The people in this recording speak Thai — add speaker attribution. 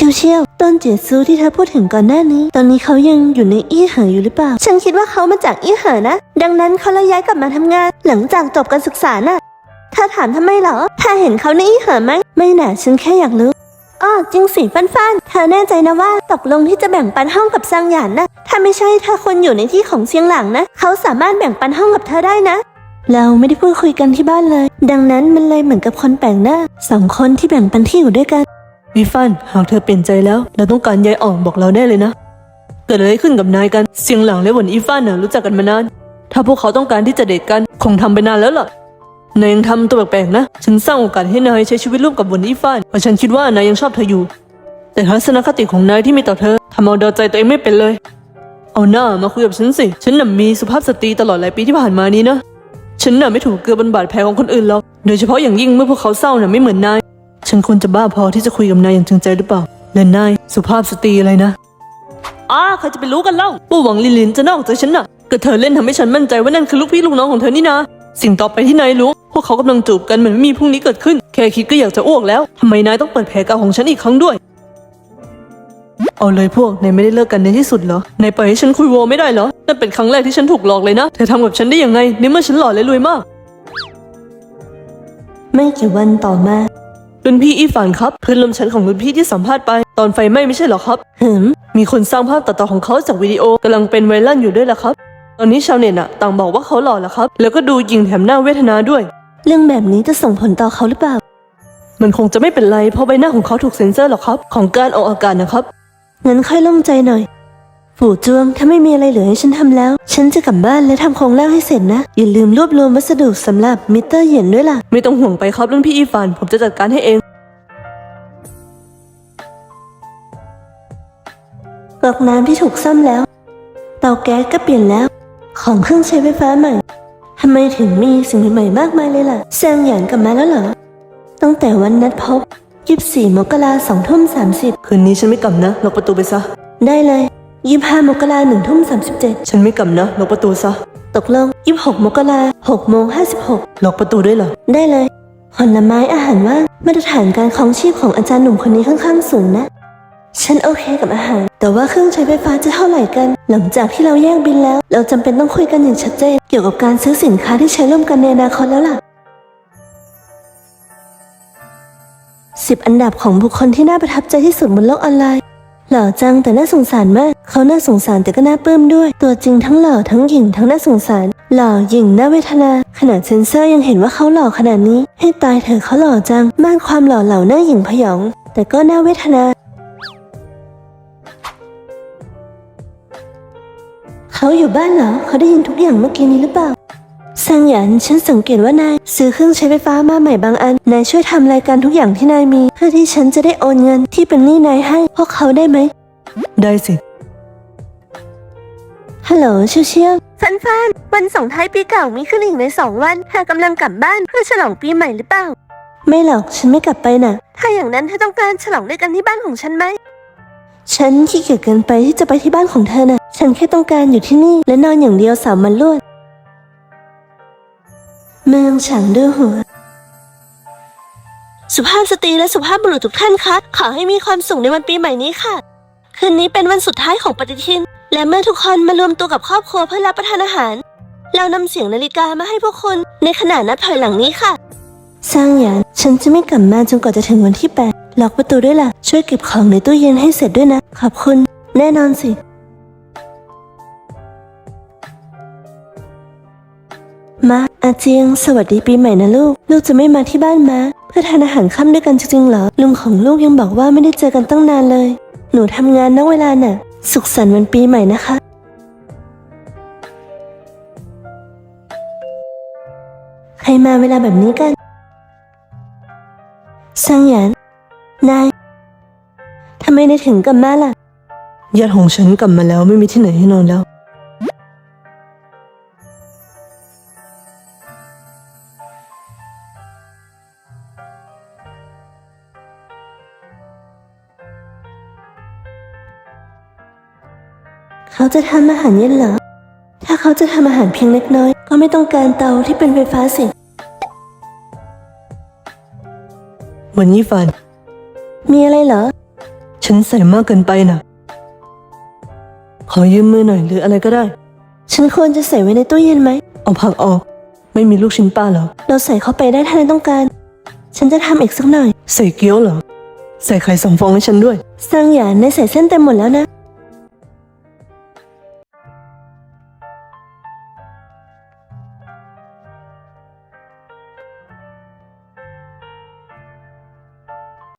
Speaker 1: เชี่ยวต้นเจียซูที่เธอพูดถึงก่อนหน้านี้ตอนนี้เขายังอยู่ในอี้เหออยู่หรือเปล่าฉันคิดว่าเขามาจากอี้เหอนะดังนั้นเขาเลยย้ายกลับมาทำงานหลังจากจบการศึกษาน่ะเธอถามทำไมเหรอเธอเห็นเขาในอี้เหอไหมไม่น่ะฉันแค่อยากรู้อ้อจริงสิฟันเธอแน่ใจนะว่าตกลงที่จะแบ่งปันห้องกับซางหยานนะถ้าไม่ใช่เธอควรอยู่ในที่ของเซียงหลังนะเขาสามารถแบ่งปันห้องกับเธอได้นะเราไม่ได้พูดคุยกันที่บ้านเลยดังนั้นมันเลยเหมือนกับคนแปลกหน้า2 คนที่แบ่งปันที่อยู่ด้วยกัน
Speaker 2: วิฟันหากเธอเปลี่ยนใจแล้วเราต้องการย้ายออกบอกเราได้เลยนะเกิดอะไรขึ้นกับนายกันเซียงหลังและหวนอีฟันน่ะรู้จักกันมานานถ้าพวกเขาต้องการที่จะเดทกันคงทำไปนานแล้วล่ะนายยังทำตัวแปลกๆนะฉันสร้างโอกาสให้นายใช้ชีวิตร่วมกับหวนอีฟันเพราะฉันคิดว่านายยังชอบเธออยู่แต่ทัศนคติของนายที่มีต่อเธอทำเอาเดาใจตัวเองไม่เป็นเลยเอาหน้ามาคุยกับฉันสิฉันน่ะมีสุภาพสตรีตลอดหลายปีที่ผ่านมานี้นะฉันน่ะไม่ถูกเกลือบนบาดแผลของคนอื่นหรอกโดยเฉพาะอย่างยิ่งเมื่อพวกเขาเศร้าน่ะไม่เหมือนนายฉันควรจะบ้าพอที่จะคุยกับนายอย่างจริงใจหรือเปล่าและนายสุภาพสตรีอะไรนะใครจะไปรู้กันเล่าปู่หวังลินจะนอกใจฉันน่ะก็เธอเล่นทำให้ฉันมั่นใจว่านั่นคือลูกพี่ลูกน้องของเธอนี่นะสิ่งต่อไปที่นายรู้พวกเขากำลังจูบกันเหมือนไม่มีพรุ่งนี้เกิดขึ้นแค่คิดก็อยากจะอ้วกแล้วทำไมนายต้องเปิดแผลเก่าของฉันอีกครั้งด้วยเอาเลยพวกนายไม่ได้เลิกกันในที่สุดเหรอนายปล่อยให้ฉันคุยโวไม่ได้เหรอนั่นเป็นครั้งแรกที่ฉันถูกหลอกเลยนะเธอทำกับฉันได้ยังไงในเมื่อฉันหล่อและรวยมาก
Speaker 1: ไม่กี่วันต่อมา
Speaker 2: รุ่นพี่อีฟานครับเพื่อนร่วมชั้นของรุ่นพี่ที่สัมภาษณ์ไปตอนไฟไหม้ไม่ใช่เหรอครับมีคนสร้างภาพตัดต่อของเขาจากวิดีโอกำลังเป็นไวรัลอยู่ด้วยล่ะครับตอนนี้ชาวเน็ตต่างบอกว่าเขาหล่อแล้วครับแล้วก็ดูยิงแถมหน้าเวทนาด้วย
Speaker 1: เรื่องแบบนี้จะส่งผลต่อเขาหรือเปล่า
Speaker 2: มันคงจะไม่เป็นไรเพราะใบหน้าของเขาถูกเซ็นเซอร์หรอกครับของการออกอากาศนะครับ
Speaker 1: งั้นค่อยโล่งใจหน่อยปู่จวงถ้าไม่มีอะไรเหลือให้ฉันทำแล้วฉันจะกลับบ้านและทำโครงร่างให้เสร็จนะอย่าลืมรวบรวมวัสดุสำหรับมิเตอร์เหยียนด้วยล่ะ
Speaker 2: ไม่ต้องห่วงไปครับรุ่นพี่อีฟานผมจะจัดการให้เอง
Speaker 1: ก๊อกน้ำที่ถูกซ่อมแล้วเตาแก๊สก็เปลี่ยนแล้วของเครื่องใช้ไฟฟ้าใหม่ทำไมถึงมีสิ่งใหม่ๆมากมายเลยล่ะแซงหยานกลับมาแล้วเหรอตั้งแต่วันนัดพบ24 มกราคม 20:30
Speaker 2: คืนนี้ฉันไม่กลับนะล็อกประตูไปซะ
Speaker 1: ได้เลย25 มกราคม 1:37
Speaker 2: ฉันไม่กลับนะล็อกประตูซะ
Speaker 1: ตกลง26 มกราคม 6:56
Speaker 2: ล็อกประตูด้วยเหรอ
Speaker 1: ได้เลยผลไม้อาหารว่างมาตรฐานการครองชีพของอาจารย์หนุ่มคนนี้ค่อนข้างสูงนะฉันโอเคกับอาหารแต่ว่าเครื่องใช้ไฟฟ้าจะเท่าไหร่กันหลังจากที่เราแยกบินแล้วเราจำเป็นต้องคุยกันอย่างชัดเจนเกี่ยวกับการซื้อสินค้าที่ใช้ร่วมกันในอนาคตแล้วล่ะ10 อันดับของบุคคลที่น่าประทับใจที่สุดบนโลกออนไลน์หล่อจังแต่น่าสงสารมากเขาน่าสงสารแต่ก็น่าปลื้มด้วยตัวจริงทั้งหล่อทั้งหญิงทั้งน่าสงสารหล่อหญิงน่าเวทนาขนาดเซนเซอร์ยังเห็นว่าเขาหล่อขนาดนี้ให้ตายเถอะเขาหล่อจังมากความหล่อเหล่าหน้าหญิงพยองแต่ก็น่าเวทนาเขาอยู่บ้านเหรอเขาได้ยินทุกอย่างเมื่อกี้นี้หรือเปล่าซางหยานฉันสังเกตว่านายซื้อเครื่องใช้ไฟฟ้ามาใหม่บางอันนายช่วยทำรายการทุกอย่างที่นายมีเพื่อที่ฉันจะได้โอนเงินที่เป็นหนี้นายให้พวกเขาได้ไหม
Speaker 2: ได้สิ
Speaker 1: ฮัลโหลเชี่ยววันส่งท้ายปีเก่ามีขึ้นอีกใน2 วันเธอกำลังกลับบ้านเพื่อฉลองปีใหม่หรือเปล่าไม่หรอกฉันไม่กลับไปน่ะถ้าอย่างนั้นเธอต้องการฉลองด้วยกันที่บ้านของฉันไหมฉันขี้เกียจเกินไปที่จะไปที่บ้านของเธอน่ะฉันแค่ต้องการอยู่ที่นี่และนอนอย่างเดียว3 วันรวดเมืองฉางด้วยหัวสุภาพสตรีและสุภาพบุรุษทุกท่านคะขอให้มีความสุขในวันปีใหม่นี้ค่ะคืนนี้เป็นวันสุดท้ายของปฏิทินและเมื่อทุกคนมารวมตัวกับครอบครัวเพื่อรับประทานอาหารเรานำเสียงนาฬิกามาให้พวกคุณในขณะนับถอยหลังนี้ค่ะซางหยานฉันจะไม่กลับมาจนกว่าจะถึงวันที่8ล็อกประตูด้วยล่ะช่วยเก็บของในตู้เย็นให้เสร็จด้วยนะขอบคุณแน่นอนสิมาอาเจียงสวัสดีปีใหม่นะลูกจะไม่มาที่บ้านมาเพื่อทานอาหารค่ำด้วยกันจริงๆเหรอลุงของลูกยังบอกว่าไม่ได้เจอกันตั้งนานเลยหนูทำงานนอกเวลาน่ะสุขสันต์วันปีใหม่นะคะใครมาเวลาแบบนี้กันซางหยานนายทำไมนายถึงกลับมาล่ะ
Speaker 2: ญาติของฉันกลับมาแล้วไม่มีที่ไหนให้นอนแล้ว
Speaker 1: เขาจะทำอาหารเย็นเหรอถ้าเขาจะทำอาหารเพียงเล็กน้อยก็ไม่ต้องการเตาที่เป็นไฟฟ้าสิ
Speaker 2: วันนี้ฟัน
Speaker 1: มีอะไรเหรอ
Speaker 2: ฉันใส่มากเกินไปนะขอยืมมือหน่อยหรืออะไรก็ได้
Speaker 1: ฉันควรจะใส่ไว้ในตู้เย็นไหม
Speaker 2: เอาผักออก ไม่มีลูกชิ้นปลาเหรอ
Speaker 1: เราใส่เข้าไปได้ถ้านายต้องการ ฉันจะทำอีกสักหน่อย
Speaker 2: ใส่เกี๊ยวเหรอ ใส่ไข่2 ฟองให้ฉันด้วย
Speaker 1: ซังหยานนายใส่เส้นเต็มหมดแล้วนะ